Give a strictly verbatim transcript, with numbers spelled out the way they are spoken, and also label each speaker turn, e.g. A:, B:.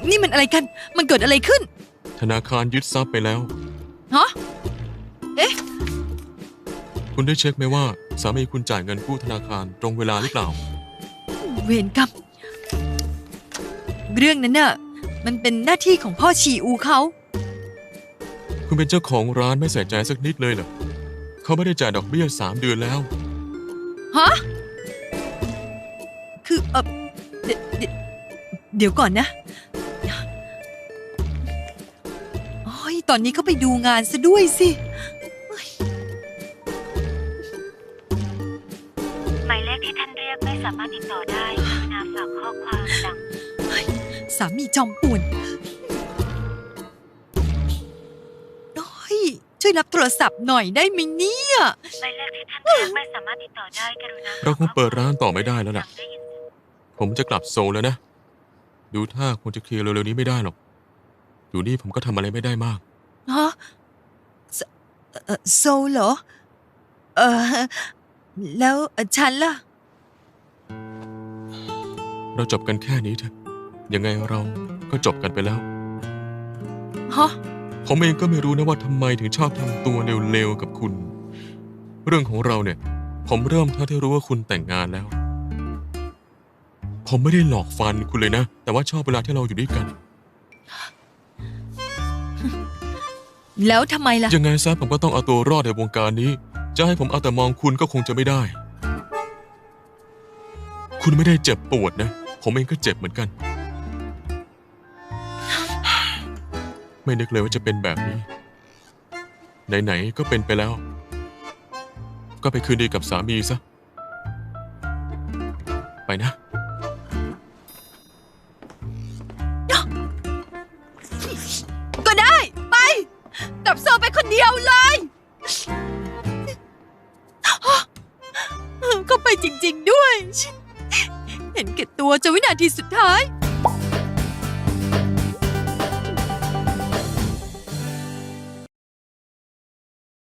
A: นี่มันอะไรกันมันเกิดอะไรขึ้น
B: ธนาคารยึดทรัพย์ไปแล้ว
A: ฮะเอ๊ะ
B: คุณได้เช็คไหมว่าสามีคุณจ่ายเงินกู้ธนาคารตรงเวลาหรือเปล่า
A: เวรกรรมเรื่องนั้นน่ะมันเป็นหน้าที่ของพ่อชีอูเขา
B: คุณเป็นเจ้าของร้านไม่ใส่ใจสักนิดเลยเหรอเขาไม่ได้จ่ายดอกเบี้ยสามเดือนแล้ว
A: ฮะคือเออเดเดเดี๋ยวก่อนนะโอ้ยตอนนี้เขาไปดูงานซะด้วยสิ
C: หมายเลขที่ท่านเรียกไม่สามารถติดต่อได้กรุณาฝากข้อความหลัง
A: สามีจอมป่วนโอ้ยช่วยรับโทรศัพท์หน่อยได้ไหมเนี่ย
C: หมายเลขที่ท่านเรียกไม่สามารถติดต่อได้กรุณา
B: เราคงเปิดร้านต่อไม่ได้แล้วล่ะผมจะกลับโซลแล้วนะดูท่าคงจะเคลียร์เร็วๆนี้ไม่ได้หรอกอยู่นี่ผมก็ทำอะไรไม่ได้มาก
A: ฮะโซลเหรอเออแล้วฉันล่ะ
B: เราจบกันแค่นี้เถอะยังไงเราก็จบกันไปแล้ว
A: ฮะ
B: ผมเองก็ไม่รู้นะว่าทำไมถึงชอบทำตัวเร็วๆกับคุณเรื่องของเราเนี่ยผมเริ่มเท่าที่รู้ว่าคุณแต่งงานแล้วผมไม่ได้หลอกฟันคุณเลยนะแต่ว่าชอบเวลาที่เราอยู่ด้วยกัน
A: แล้วทำไมล่ะ
B: ยังไงซะผมก็ต้องเอาตัวรอดในวงการนี้จะให้ผมเอาแต่มองคุณก็คงจะไม่ได้คุณไม่ได้เจ็บปวดนะผมเองก็เจ็บเหมือนกันไม่นึกเลยว่าจะเป็นแบบนี้ไหนๆก็เป็นไปแล้วก็ไปคืนดีกับสามีซะไปนะ
A: ก็ได้ไปกับโซไปคนเดียวเลยก็ไปจริงๆด้วยเห็นแก่ตัวจนวินาทีสุดท้าย